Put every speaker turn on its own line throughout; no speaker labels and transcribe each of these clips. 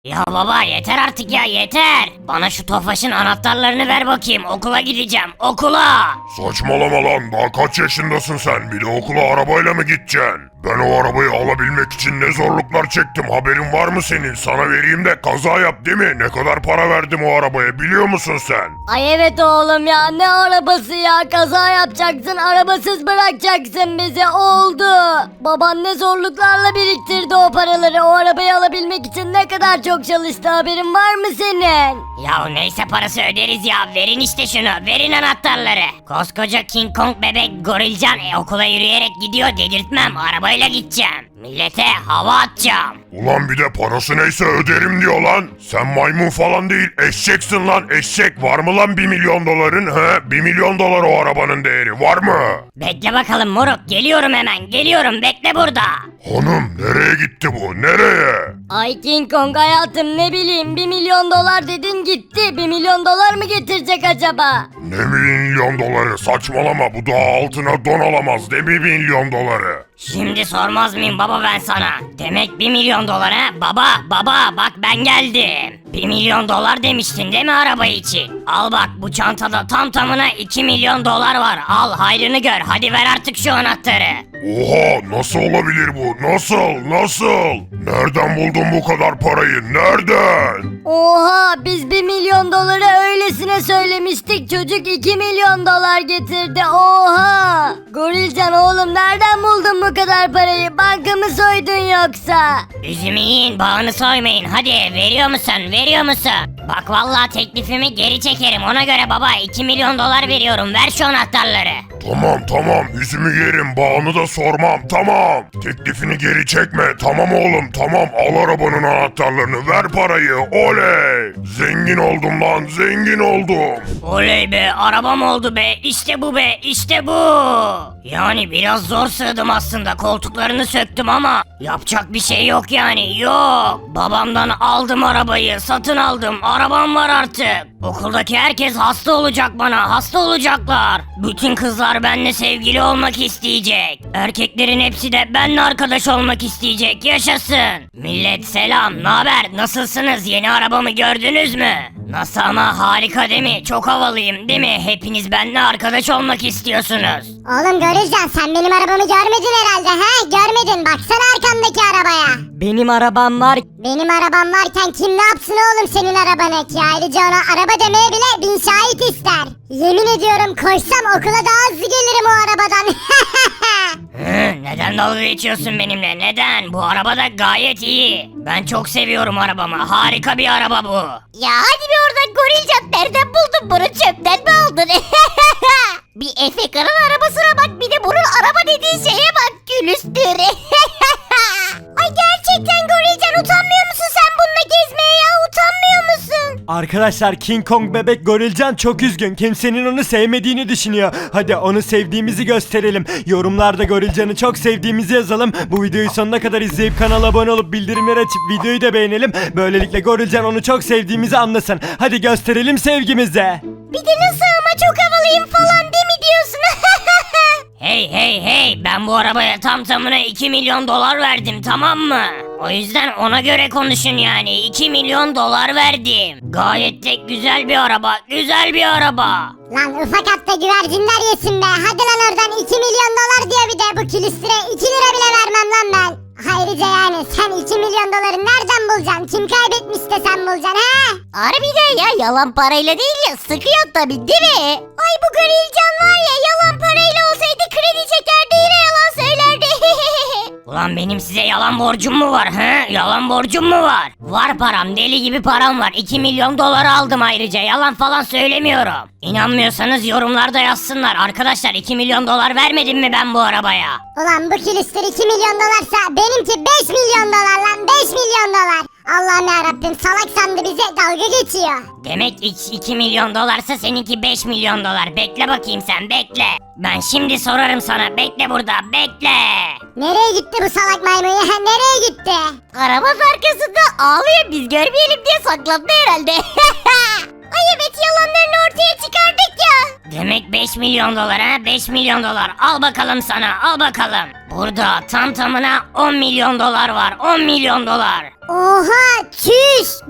Ya baba yeter artık ya yeter. Bana şu Tofaş'ın anahtarlarını ver bakayım. Okula gideceğim. Okula.
Saçmalama lan, daha kaç yaşındasın sen? Bir de okula arabayla mı gideceksin? Ben o arabayı alabilmek için ne zorluklar çektim, haberin var mı senin? Sana vereyim de kaza yap, değil mi? Ne kadar para verdim o arabaya biliyor musun sen?
Ay evet oğlum ya, ne arabası ya, kaza yapacaksın, arabasız bırakacaksın bizi, oldu. Baban ne zorluklarla biriktirdi o paraları, o arabayı alabilmek için ne kadar çok çalıştı, haberin var mı senin?
Ya neyse parası öderiz ya. Verin işte şunu. Verin anahtarları. Koskoca King Kong bebek gorilcan okula yürüyerek gidiyor, dedirtmem. Arabayla gideceğim. Millete hava atacağım.
Ulan bir de parası neyse öderim diyor lan. Sen maymun falan değil, eşeksin lan, eşek. Var mı lan 1 milyon doların? He? 1 milyon dolar o arabanın değeri, var mı?
Bekle bakalım moruk. Geliyorum hemen. Geliyorum. Bekle burada.
Hanım, nereye gitti bu, nereye?
Ay King Kong hayatım, ne bileyim, 1 milyon dolar dedin gitti, 1 milyon dolar mı getirecek acaba?
Ne milyon doları, saçmalama, bu daha altına don alamaz, ne 1 milyon doları?
Şimdi sormaz mıyım baba ben sana? Demek 1 milyon dolar ha? Baba bak ben geldim. 1 milyon dolar demiştin değil mi araba için? Al bak bu çantada tam tamına 2 milyon dolar var. Al hayrını gör. Hadi ver artık şu anahtarı.
Oha, nasıl olabilir bu, nasıl? Nereden buldun bu kadar parayı, nereden?
Oha, biz 1 milyon doları öylesine söylemiştik, çocuk 2 milyon dolar getirdi, oha. Gorilcan oğlum, nereden buldun bu kadar parayı, banka mı soydun yoksa?
Üzümü yiyin bağını soymayın. Hadi veriyor musun? Bak vallahi teklifimi geri çekerim. Ona göre baba 2 milyon dolar veriyorum. Ver şu anahtarları.
Tamam, yüzümü yerim, bağını da sormam, tamam. Teklifini geri çekme, tamam oğlum, tamam. Al arabanın anahtarlarını, ver parayı, oley. Zengin oldum lan, zengin oldum.
Oley be arabam oldu be. İşte bu be işte bu. Yani biraz zor sığdım aslında. Koltuklarını söktüm ama yapacak bir şey yok yani. Yok. Babamdan aldım arabayı. Satın aldım. Arabam var artık. Okuldaki herkes hasta olacak bana. Hasta olacaklar. Bütün kızlar benimle sevgili olmak isteyecek. Erkeklerin hepsi de benimle arkadaş olmak isteyecek. Yaşasın. Millet selam. Naber? Nasılsınız? Yeni arabamı gördünüz mü? Nasıl ama harika değil mi? Çok havalıyım değil mi? Hepiniz benimle arkadaş olmak istiyorsunuz.
Oğlum Görürcan, sen benim arabamı görmedin herhalde he? Görmedin, baksana arkandaki arabaya.
Benim arabam var.
Benim arabam varken kim ne yapsın oğlum senin arabanı ki? Ayrıca ona araba demeye bile 1000 şahit ister. Yemin ediyorum koşsam okula daha hızlı gelirim o arabadan.
Neden dalga geçiyorsun benimle? Neden? Bu araba da gayet iyi. Ben çok seviyorum arabamı. Harika bir araba bu.
Ya hadi bir oradan Gorilcan, nereden buldun bunu, çöpten mi aldın? Bir Efekan'ın arabasına bak, bir de bunun araba dediği şeye bak, külüstür. Ay gerçekten Gorilcan, utanmıyor musun sen bununla gezmeye ya, utanmıyor musun?
Arkadaşlar King Kong bebek Gorilcan çok üzgün. Kimsenin onu sevmediğini düşünüyor. Hadi onu sevdiğimizi gösterelim. Yorumlarda Gorilcan'ı çok sevdiğimizi yazalım. Bu videoyu sonuna kadar izleyip kanala abone olup bildirimleri açıp videoyu da beğenelim. Böylelikle Gorilcan onu çok sevdiğimizi anlasın. Hadi gösterelim sevgimizi.
Bir de nasıl ama çok havalıyım falan değil mi diyorsun?
Hey ben bu arabaya tam tamına 2 milyon dolar verdim tamam mı? O yüzden ona göre konuşun yani 2 milyon dolar verdim. Gayet de güzel bir araba, güzel bir araba.
Lan ufak hatta güvercinler yesin be. Hadi lan oradan, 2 milyon dolar diyor bir de, bu külüstüre 2 lira bile vermem lan ben. Ayrıca yani sen 2 milyon doları nereden bulacaksın? Kim kaybetmiş de sen bulacaksın he? Harbiden ya, yalan parayla değil ya, sıkıyor tabii değil mi? Ay bu Gorilcan var ya, yalan parayla olsaydı kredi çekerdi, yine yalan söylerdi.
Ulan benim size yalan borcum mu var he? Yalan borcum mu var? Var param, deli gibi param var. 2 milyon dolar aldım ayrıca. Yalan falan söylemiyorum. İnanmıyorsanız yorumlarda yazsınlar. Arkadaşlar 2 milyon dolar vermedim mi ben bu arabaya?
Ulan bu külüstür 2 milyon dolarsa benimki 5 milyon dolar lan, 5 milyon dolar. Allah'ım yarabbim, salak sandı bize, dalga geçiyor.
Demek 2 milyon dolarsa seninki 5 milyon dolar. Bekle bakayım sen bekle. Ben şimdi sorarım sana. Bekle burada bekle.
Nereye gitti bu salak maymun ya, nereye gitti? Arabası arkasında ağlıyor, biz görmeyelim diye saklandı herhalde. Ay evet, yalanlarını ortaya çıkardık ya.
Demek 5 milyon dolar ha? 5 milyon dolar. Al bakalım sana al bakalım. Burada tam tamına 10 milyon dolar var. 10 milyon dolar.
Oha çüş.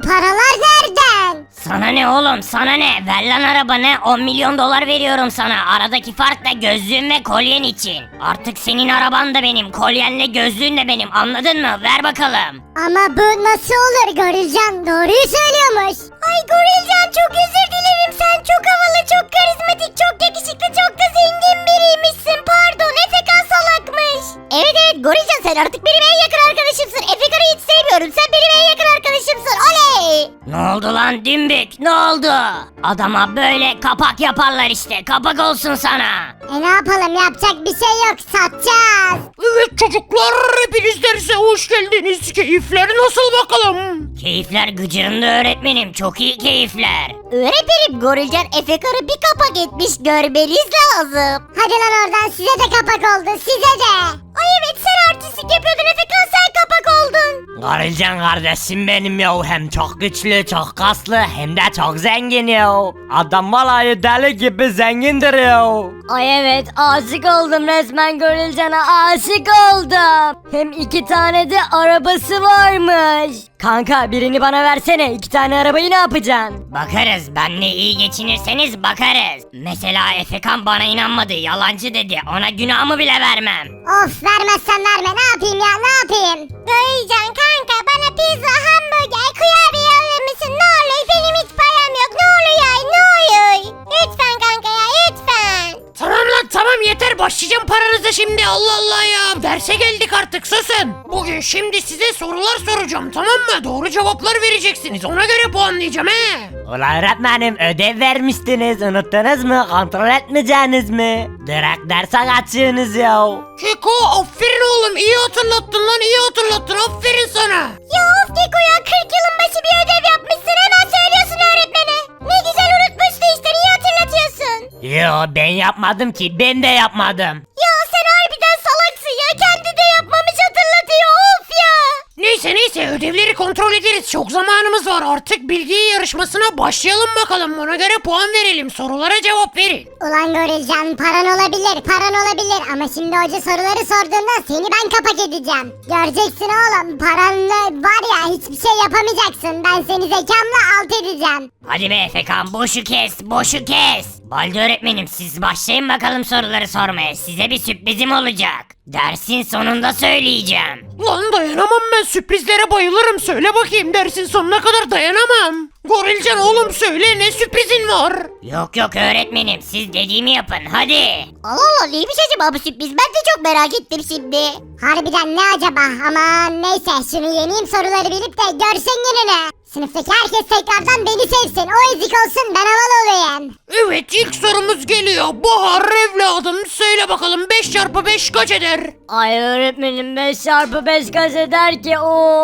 paralar nereden?
Sana ne oğlum sana ne? Ver lan arabanı 10 milyon dolar veriyorum sana. Aradaki fark da gözlüğün ve kolyen için. Artık senin araban da benim, kolyenle gözlüğün de benim, anladın mı? Ver bakalım.
Ama bu nasıl olur Gorilcan? Doğruyu söylüyormuş. Ay Gorilcan çok özür dilerim. Sen çok havalı, çok karizmatik, çok yakışıklı, çok da zengin biriymişsin. Pardon, Efekan salakmış. Evet Gorilcan sen artık benim en yakın arkadaşımsın. Efekan'ı hiç sevmiyorum. Sen benim en yakın arkadaşımsın. Oley!
Ne oldu lan dümbük? Ne oldu? Adama böyle kapak yaparlar işte. Kapak olsun sana.
Ne yapalım, yapacak bir şey yok. Satacağız.
Evet çocuklar, hepiniz derse hoş geldiniz. Keyifler nasıl bakalım?
Keyifler gıcırında öğretmenim. Çok iyi keyifler.
Öğretmenim Gorilcan Efekan'ı bir kapak etmiş. Görmeniz lazım. Hadi lan oradan, size de kapak oldu. Size de. Ay evet, sen artistlik yapıyordun Efekan, sen kapak oldun.
Garilcan kardeşim benim ya, hem çok güçlü, çok kaslı, hem de çok zengin ya. Adam vallahi deli gibi zengindir ya.
Ay evet aşık oldum resmen Gorilcan'a aşık oldum. Hem 2 tane de arabası varmış. Kanka birini bana versene 2 tane arabayı ne yapacaksın?
Bakarız. Benle iyi geçinirseniz bakarız. Mesela Efekan bana inanmadı. Yalancı dedi. Ona günahımı bile vermem.
Of, vermezsen verme, ne yapayım ya, ne yapayım? Gorilcan kanka, bana pizza, hamburger, kurabiye alır mısın? Ne olur, benim hiç param yok, ne olur ya, ne olur. Lütfen kanka ya, lütfen.
Tamam lan tamam, yeter, başlayacağım paranıza şimdi. Allah Allah ya, derse geldik artık, susun. Bugün şimdi size sorular soracağım, tamam mı? Doğru cevaplar vereceksiniz, ona göre puanlayacağım he.
Ulan öğretmenim ödev vermiştiniz, unuttunuz mu? Kontrol etmeyeceğiniz mi? Direkt derse kaçıyorsunuz ya.
Keko, aferin oğlum, iyi hatırlattın lan, iyi hatırlattın, aferin sana.
Ya of Keko ya, 40 yılın başı bir ödev yapmışsın, hemen söylüyorsun öğretmene. Ne güzel unutmuştu işte, niye hatırlatıyorsun?
Yo ben yapmadım ki, ben de yapmadım.
Ya sen harbiden salaksın ya, kendi de yapmamış hatırlatıyor, of ya.
Neyse ödevleri kontrol ederiz, çok zamanımız var, artık bilgi yarışmasına başlayalım bakalım, ona göre puan verelim, sorulara cevap verin.
Ulan Gorilcan, paran olabilir ama şimdi hoca soruları sorduğunda seni ben kapak edeceğim. Göreceksin oğlum, paranla var ya hiçbir şey yapamayacaksın, ben seni zekamla alt edeceğim.
Hadi be Efekan boşu kes. Boşu kes. Baldi öğretmenim siz başlayın bakalım soruları sormaya. Size bir sürprizim olacak. Dersin sonunda söyleyeceğim.
Lan dayanamam, ben sürprizlere bayılırım, söyle bakayım, dersin sonuna kadar dayanamam. Gorilcan oğlum söyle, ne sürprizin var?
Yok öğretmenim siz dediğimi yapın hadi.
Allah Allah, neymiş acaba bu sürpriz, ben de çok merak ettim şimdi. Harbiden ne acaba, aman neyse şunu yeneyim, soruları bilip de görsen gününü. Sınıftaki herkes tekrardan beni sevsin, o ezik olsun, ben havalı olayım.
Evet, ilk sorumuz geliyor. Bahar evladım, söyle bakalım 5 çarpı 5 kaç eder?
Ay öğretmenim 5 çarpı 5 kaç eder ki?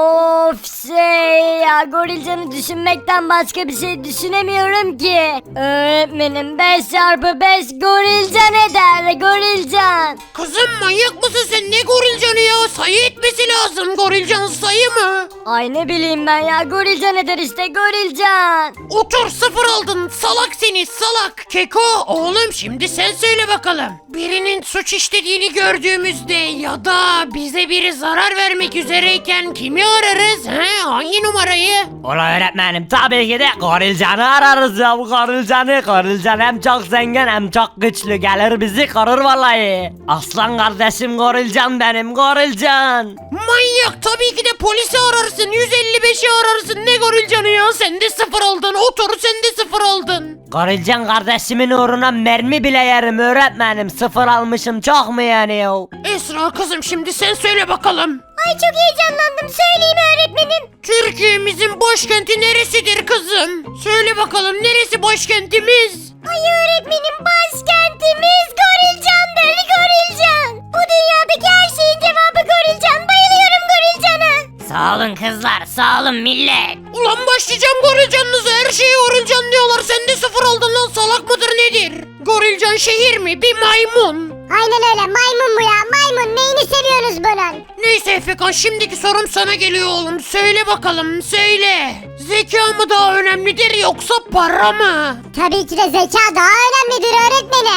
Of ya Gorilcan'ı düşünmekten başka bir şey düşünemiyorum ki. Öğretmenim 5 çarpı 5 Gorilcan eder Gorilcan.
Kızım manyak mısın sen, ne gorilcanı ya? Sayı etmesi lazım, gorilcan sayı mı?
Ay ne bileyim ben ya Gorilcan eder işte Gorilcan.
Otur, 0 aldın, salak seni salak. Keko oğlum, şimdi sen söyle bakalım. Birinin suç işlediğini gördüğümüzde ya da bize biri zarar vermek üzereyken kimi ararız? He? Hangi numarayı?
Ulan öğretmenim tabii ki de Gorilcan'ı ararız ya, bu Gorilcan'ı. Gorilcan hem çok zengin hem çok güçlü, gelir bizi korur vallahi. Aslan kardeşim Gorilcan benim, Gorilcan.
Manyak, tabii ki de polisi ararsın, 155'i ararsın, ne gorilcanı ya, sen de 0 aldın, otur sen de 0 aldın.
Gorilcan kardeşimin uğruna mermi bile yerim öğretmenim, 0 almışım çok mu yani ya?
Esra kızım, şimdi sen söyle bakalım.
Ay çok heyecanlandım, söyleyeyim öğretmenim.
Türkiye'mizin başkenti neresidir kızım? Söyle bakalım, neresi başkentimiz?
Ay öğretmenim, başkentimiz Gorilcan'dır, Gorilcan. Bu dünyadaki her şeyin cevabı Gorilcan, bayılıyorum Gorilcan'a.
Sağ olun kızlar sağ olun millet.
Ulan başlayacağım gorilcanınıza, her şeye gorilcan diyorlar, sen de 0 aldın lan, salak mıdır nedir? Gorilcan şehir mi, bir maymun.
Aynen öyle, maymun bu ya, maymun, neyini seviyorsunuz bunun?
Neyse Efekan, şimdiki sorum sana geliyor oğlum, söyle bakalım söyle. Zeka mı daha önemlidir yoksa para mı?
Tabii ki de zeka daha önemlidir öğretmenim.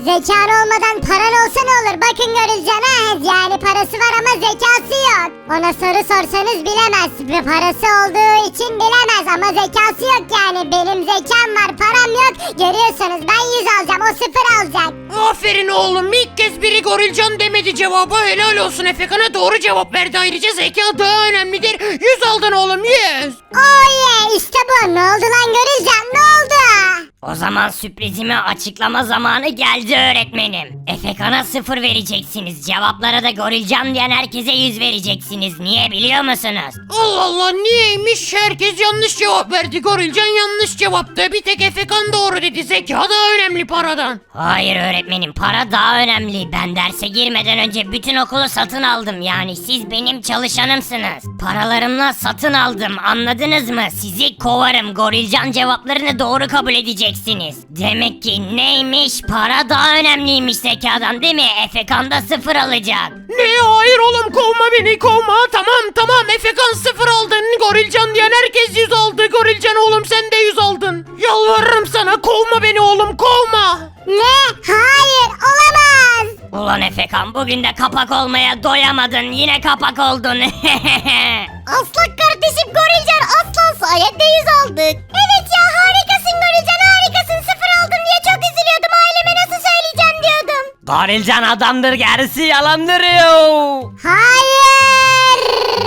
Zekan olmadan paran olsa ne olur? Bakın Gorilcan ha. Yani parası var ama zekası yok. Ona soru sorsanız bilemez. Ve parası olduğu için bilemez ama zekası yok yani. Benim zekam var, param yok. Görüyorsunuz ben 100 alacağım, o 0 alacak.
Aferin oğlum, ilk kez biri Gorilcan demedi cevaba. Helal olsun, Efekan'a doğru cevap verdi. Ayrıca zeka daha önemlidir. 100 aldın oğlum, 100.
Oh yeah, işte bu. Ne oldu lan Gorilcan, ne oldu?
O zaman sürprizimi açıklama zamanı geldi öğretmenim. Efekan'a 0 vereceksiniz. Cevaplara da Gorilcan diyen herkese 100 vereceksiniz. Niye biliyor musunuz?
Allah Allah, niyeymiş? Herkes yanlış cevap verdi. Gorilcan yanlış cevaptı. Bir tek Efekan doğru dedi. Zeka daha önemli paradan.
Hayır öğretmenim, para daha önemli. Ben derse girmeden önce bütün okulu satın aldım. Yani siz benim çalışanımsınız. Paralarımla satın aldım, anladınız mı? Sizi kovarım. Gorilcan cevaplarını doğru kabul edeceksiniz. Demek ki neymiş? Para daha önemliymiş zekadan, değil mi? Efekan da 0 alacak.
Ne? Hayır oğlum, kovma beni, kovma. Tamam Efekan 0 aldın. Gorilcan diyen herkes 100 aldı. Gorilcan oğlum sen de 100 aldın. Yalvarırım sana, kovma beni oğlum, kovma.
Ne? Hayır, olamaz.
Ulan Efekan, bugün de kapak olmaya doyamadın. Yine kapak oldun.
Aslan kardeşim Gorilcan, aslan sayende 100 aldık. Evet ya, harikasın Gorilcan, harikasın. 0 aldım diye çok üzülüyordum. Aileme nasıl söyleyeceğim diyordum.
Gorilcan adamdır, gerisi yalandır yo.